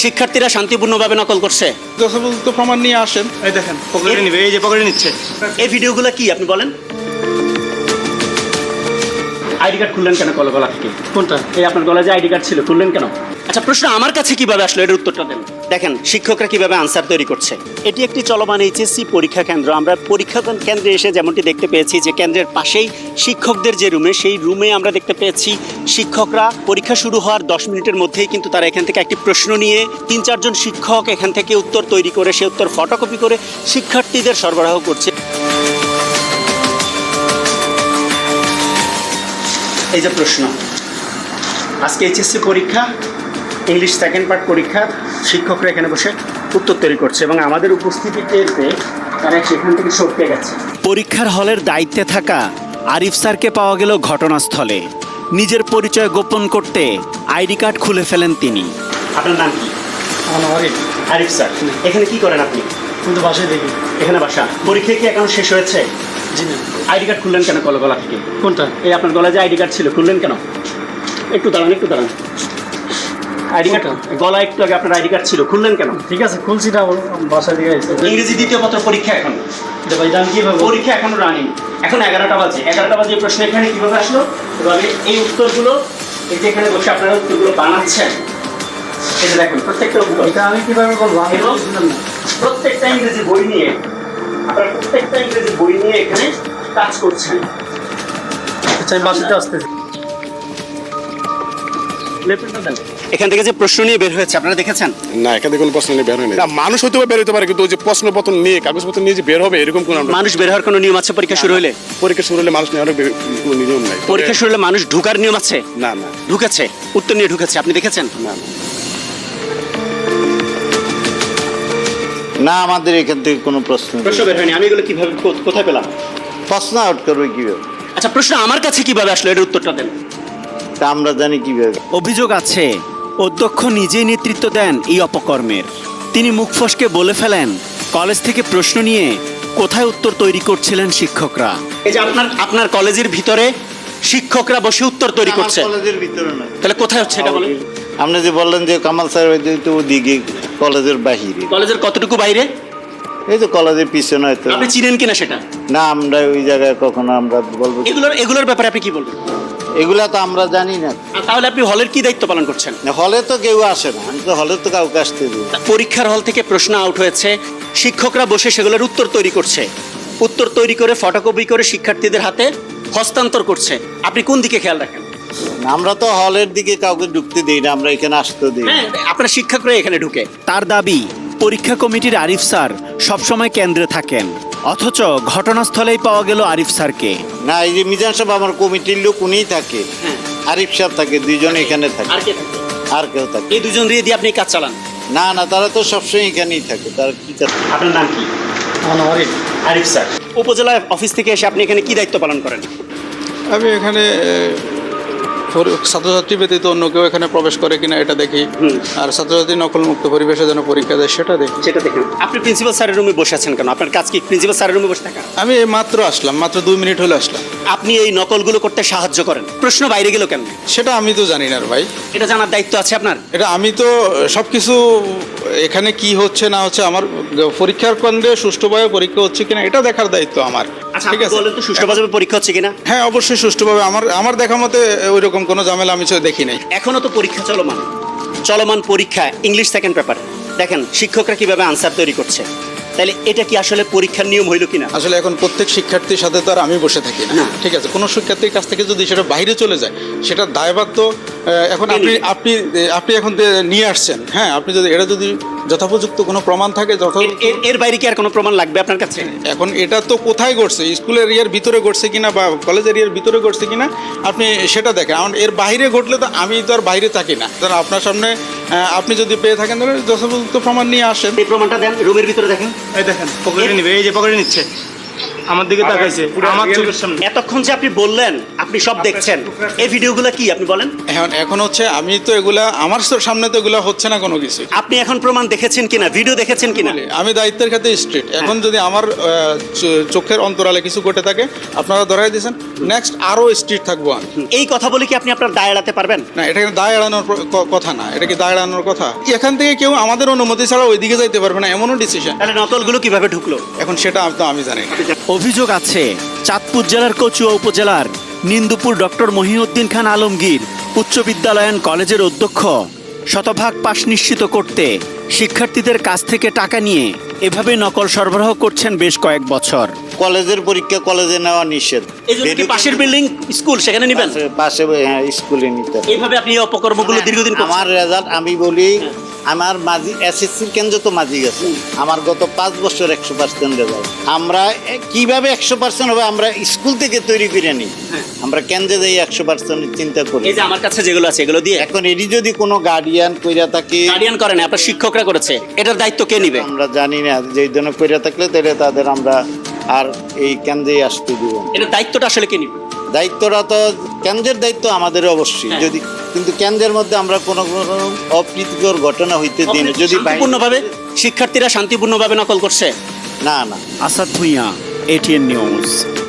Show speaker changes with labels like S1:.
S1: শিক্ষার্থীরা শান্তিপূর্ণভাবে নকল করছে?
S2: যথাযথ প্রমাণ নিয়ে আসেন। এই দেখেন পকেটে নিবে, এই যে পকেটে নিচ্ছে।
S1: এই ভিডিওগুলো কি আপনি বলেন? আইডি কার্ড খুললেন কেন গলা থেকে?
S2: কোনটা?
S1: এই আপনার গলায় যে আইডি কার্ড ছিল, খুললেন কেন? আচ্ছা, প্রশ্ন আমার কাছে কিভাবে আসলো, এর উত্তরটা দেন। দেখেন শিক্ষকরা কিভাবে আনসার তৈরি করছে। এটি একটি চলমান এইচএসসি পরীক্ষা কেন্দ্র। আমরা পরীক্ষা কেন্দ্রে এসে যেমনটি দেখতে পেয়েছি যে কেন্দ্রের পাশেই শিক্ষকদের যে রুমে, সেই রুমে আমরা দেখতে পেয়েছি শিক্ষকরা পরীক্ষা শুরু হওয়ার 10 মিনিটের মধ্যেই কিন্তু তারা এখান থেকে একটি প্রশ্ন নিয়ে 3-4 জন শিক্ষক এখান থেকে উত্তর তৈরি করে, সে উত্তর ফটোকপি করে শিক্ষার্থীদের সরবরাহ করছে। এই যে প্রশ্ন, আজকে এইচএসসি পরীক্ষা, ইংলিশ সেকেন্ড পার্ট পরীক্ষা, শিক্ষকরা এখানে বসে উত্তর তৈরি করছে এবং আমাদের উপস্থিতি টের পেয়ে তারা সেখান থেকে সরতে গেছে। পরীক্ষার হলের দায়িত্বে থাকা আরিফ স্যারকে পাওয়া গেল ঘটনাস্থলে। নিজের পরিচয় গোপন করতে আইডি কার্ড খুলে ফেলেন তিনি। আপনার নাম কি? আরিফ স্যার। এখানে কি করেন আপনি?
S2: কিন্তু বাসায় দেখি।
S1: এখানে বাসা। পরীক্ষা কি এখন শেষ হয়েছে?
S2: জি না।
S1: আইডি কার্ড খুললেন কেন গলা থেকে?
S2: কোনটা?
S1: এই আপনার গলায় যে আইডি কার্ড ছিল, খুললেন কেন? একটু দাঁড়ান। আইডি কার্ড গলা একটু আগে আপনার আইডি কার্ড ছিল, খুললেন কেন?
S2: ঠিক আছে, খুলছি না, বাসায় দিয়ে আসছে।
S1: ইংরেজি দ্বিতীয় পত্র পরীক্ষা এখন।
S2: ভাই আমি কিভাবে?
S1: পরীক্ষা এখনো রানিং। এখন 11টা বাজে। 11টা বাজে প্রশ্ন এখানে কিভাবে আসলো? এভাবে এই উত্তরগুলো, এই যে এখানে বসে আপনারা উত্তরগুলো বানাচ্ছেন, এটা দেখুন প্রত্যেকটা উত্তর।
S2: এটা আমি কিভাবে বলবো? আমি
S1: এবং
S2: বুঝলাম না।
S1: প্রত্যেকটা ইংরেজি বই নিয়ে, আপনারা প্রত্যেকটা ইংরেজি বই নিয়ে এখানে কাজ করছেন।
S2: আচ্ছা, আমি বাসাতে আসতেছি।
S1: এখান থেকে যে প্রশ্ন নিয়ে বের হয়েছে আপনারা দেখেছেন?
S3: না, এখান থেকে কোনো প্রশ্ন নিয়ে বের হয়নি। না, মানুষ হয়তো বের হতে পারে, কিন্তু ওই যে প্রশ্নপত্র নিয়ে, কাগজপত্র নিয়ে যে বের হবে এরকম কোনো
S1: মানুষ বের হওয়ার কোনো নিয়ম আছে পরীক্ষা শুরু হলে?
S3: পরীক্ষা শুরু হলে মানুষ নেওয়ার কোনো নিয়ম নাই।
S1: পরীক্ষা শুরু হলে মানুষ ঢুকার নিয়ম আছে?
S3: না না
S1: ঢুকেছে, উত্তর নিয়ে ঢুকেছে, আপনি দেখেছেন?
S3: না না।
S4: না, আমাদের এখান থেকে কোনো প্রশ্ন
S1: প্রশ্ন বের হয়নি। আমি এগুলো কিভাবে কোথায় পেলাম?
S4: প্রশ্ন আউট করবে কিভাবে?
S1: আচ্ছা, প্রশ্ন আমার কাছে কিভাবে আসলো, এর উত্তরটা দেন।
S4: তা আমরা জানি কিভাবে?
S5: অভিযোগ আছে অধ্যক্ষ নিজেই নেতৃত্ব দেন এই অপকর্মের। তিনি মুখ ফসকে বলে ফেলেন কলেজ থেকে প্রশ্ন নিয়ে কোথায় উত্তর তৈরি করছিলেন শিক্ষকরা।
S1: এই যে আপনার কলেজের ভিতরে শিক্ষকরা বসে উত্তর তৈরি করছে,
S4: আমার কলেজের ভিতরে না।
S1: তাহলে কোথায় হচ্ছে এটা বলেন?
S4: আপনি যে বললেন যে কামাল স্যার তো ওদিকে কলেজের বাহিরে।
S1: কলেজের কতটুকু বাইরে?
S4: এই তো কলেজের পিছনে হয়তো।
S1: আপনি চিনেন কিনা সেটা?
S4: না, আমরা ওই জায়গায় কখনো আমরা বলবো।
S1: এগুলোর ব্যাপারে আপনি কি বলবেন?
S4: এগুলা তো আমরা জানি না।
S1: তাহলে আপনি হলের কি দায়িত্ব পালন করছেন?
S4: হলে তো কেউ আসে না, আমি তো হলে তো কাউকে আসতে দিই।
S1: পরীক্ষার হল থেকে প্রশ্ন আউট হয়েছে, শিক্ষকরা বসে সেগুলোর উত্তর তৈরি করছে, উত্তর তৈরি করে ফটোকপি করে শিক্ষার্থীদের হাতে হস্তান্তর করছে। আপনি কোন দিকে খেয়াল রাখেন?
S4: আমরা তো হলের দিকে কাউকে ঢুকতে দিই না, আমরা এখানে আসতে দিই।
S1: হ্যাঁ, আপনার শিক্ষকরা এখানে ঢুকে।
S5: তার দাবি পরীক্ষা কমিটির আরিফ স্যার সবসময় কেন্দ্রে থাকেন, অথচ ঘটনাস্থলেই পাওয়া গেল আরিফ স্যারকে।
S4: না, এই যে মিজান সাহেব আমার কমিটির লোক, উনিই থাকে।
S1: হ্যাঁ।
S4: আরিফ সাহেব থাকে, দুইজন এখানে থাকে।
S1: আর কে থাকে?
S4: আর কেউ থাকে?
S1: এই দুজন দিয়ে আপনি কাজ চালান?
S4: না না, তারা তো সবসময় এখানেই থাকে। তারা কি কাজ?
S1: আপনার নাম কি?
S2: আমার আরিফ।
S1: আরিফ স্যার। উপজেলা অফিস থেকে এসে আপনি এখানে কি দায়িত্ব পালন করেন?
S2: আমি এখানে ছাত্রছাত্রী ব্যতীত অন্য কেউ এখানে প্রবেশ করে কিনা এটা দেখি, আর ছাত্রছাত্রী নকলমুক্ত পরিবেশে যেন পরীক্ষা দেয় সেটা দেখি।
S1: সেটা দেখেন। আপনি প্রিন্সিপাল স্যারের রুমে বসে আছেন কেন? আপনার কাজ কি প্রিন্সিপাল স্যারের রুমে বসে থাকা?
S2: আমি মাত্র আসলাম, মাত্র 2 মিনিট হলে আসলাম।
S1: আপনি এই নকলগুলো করতে সাহায্য করেন, প্রশ্ন বাইরে গেল কেন?
S2: সেটা আমি তো জানি না রে ভাই।
S1: এটা জানার দায়িত্ব আছে আপনার।
S2: এটা আমি তো সবকিছু এখানে কি হচ্ছে না হচ্ছে, আমার পরীক্ষার কেন্দ্রে সুষ্ঠুভাবে পরীক্ষা হচ্ছে কিনা এটা দেখার দায়িত্ব আমার।
S1: আচ্ছা,
S2: ঠিক
S1: আপনি
S2: আছে,
S1: বলেন তো সুষ্ঠুভাবে পরীক্ষা হচ্ছে কিনা?
S2: হ্যাঁ অবশ্যই সুষ্ঠুভাবে। আমার দেখা মতে ওই রকম কোনো ঝামেলা আমি দেখি নাই।
S1: এখনো তো পরীক্ষা চলমান পরীক্ষা, ইংলিশ সেকেন্ড পেপার। দেখেন শিক্ষকরা কিভাবে আনসার তৈরি করছে। তাহলে এটা কি আসলে পরীক্ষার নিয়ম হইল কিনা?
S2: আসলে এখন প্রত্যেক শিক্ষার্থীর সাথে তো আর আমি বসে থাকি না,
S1: না।
S2: ঠিক আছে। কোনো শিক্ষার্থীর কাছ থেকে যদি সেটা বাইরে চলে যায়, সেটা দায়ভার তো এখন আপনি এখন নিয়ে আসছেন। হ্যাঁ, আপনি যদি এটা যদি যথোপযুক্ত কোনো প্রমাণ থাকে,
S1: এর বাইরে কি আর কোনো প্রমাণ লাগবে আপনার কাছে?
S2: এখন এটা তো কোথায় ঘটছে, স্কুল এরিয়ার ভিতরে ঘটছে কিনা বা কলেজ এরিয়ার ভিতরে ঘটছে কিনা আপনি সেটা দেখেন। এখন এর বাইরে ঘটলে তো আমি তো আর বাইরে থাকি না। কারণ আপনার সামনে আপনি যদি পেয়ে থাকেন তাহলে যথোপযুক্ত প্রমাণ নিয়ে আসেন।
S1: এই প্রমাণটা দেন, রুমের ভিতরে দেখেন।
S2: এই দেখেন পকেটে নিবে, এই যে পকেটে নিচ্ছে।
S6: আমার দিকে তাকাইছে আমার চোখের সামনে।
S1: এতক্ষণ যে আপনি বললেন আপনি সব দেখছেন, এই ভিডিওগুলো কি আপনি বলেন?
S2: এখন হচ্ছে আমি তো এগুলা আমার সামনে তো এগুলা হচ্ছে না কোনো কিছু।
S1: আপনি এখন প্রমাণ দেখেছেন কিনা, ভিডিও দেখেছেন কিনা?
S2: আমি দায়িত্বের ক্ষেত্রে স্ট্রিট। এখন যদি আমার চোখের অন্তরালে কিছু ঘটে থাকে আপনারা ধরাই দিয়েছেন, নেক্সট আরো স্ট্রিট থাকবো আমি।
S1: এই কথা বলে কি আপনি আপনার দায় এড়াতে পারবেন?
S2: না, এটা কিন্তু দায় এড়ানোর কথা না। এটা কি দায় এড়ানোর কথা? এখান থেকে কেউ আমাদের অনুমতি ছাড়া ওইদিকে যাইতে পারবে না, এমনও ডিসিশন।
S1: তাহলে নকলগুলো কিভাবে ঢুকলো?
S2: এখন সেটা তো আমি জানি না।
S5: অভিযোগ আছে চাঁদপুর জেলার কচুয়া উপজেলার নিন্দুপুর ডক্টর মহিউদ্দিন খান আলমগীর উচ্চ বিদ্যালয়ান কলেজের অধ্যক্ষ শতভাগ পাশ নিশ্চিত করতে শিক্ষার্থীদের কাছ থেকে টাকা নিয়ে এভাবে নকল সরবরাহ করছেন বেশ কয়েক বছর।
S4: কলেজের পরীক্ষা কলেজে নেওয়া নিষেধ।
S1: এই জন্য কি পাশের বিল্ডিং স্কুল সেখানে নিবেন?
S4: পাশে হ্যাঁ, স্কুলে নিতে হবে।
S1: এইভাবে আপনি এই অপকর্মগুলো দীর্ঘদিন করছেন।
S4: আমার রেজাল্ট আমি বলি, আমার মাঝি এসএসসির কেন্দ্র তো মাঝি গেছে, আমার গত 5 বছর 100% রেজাল্ট। আমরা কিভাবে 100% হবে আমরা স্কুল থেকে তৈরি করে নিই, আমরা কেন্দ্রে যাই 100% চিন্তা করি।
S1: এই যে আমার কাছে যেগুলো আছে এগুলো দিয়ে
S4: এখন এটি যদি কোনো গার্ডিয়ান কইরা থাকে,
S1: গার্ডিয়ান করেন আপনার শিক্ষকরা করেছে, এটার দায়িত্ব কে নিবে?
S4: আমরা জানি না, যেই ধরনের কইরা থাকলে তাহলে তাদের আমরা আর এই কেন্দ্রেই আসতে দিব না।
S1: এটার দায়িত্বটা আসলে কে নিবে?
S4: দায়িত্বটা তো কেন্দ্রের দায়িত্ব আমাদের অবশ্যই।
S1: হ্যাঁ।
S4: যদি কিন্তু কেন্দ্রের মধ্যে আমরা কোনো অপ্রীতিকর ঘটনা হইতে দিই না। যদি
S1: শান্তিপূর্ণভাবে শিক্ষার্থীরা শান্তিপূর্ণভাবে নকল করছে।
S4: না না
S5: আসাদ ভুঁইয়া, ATN নিউজ।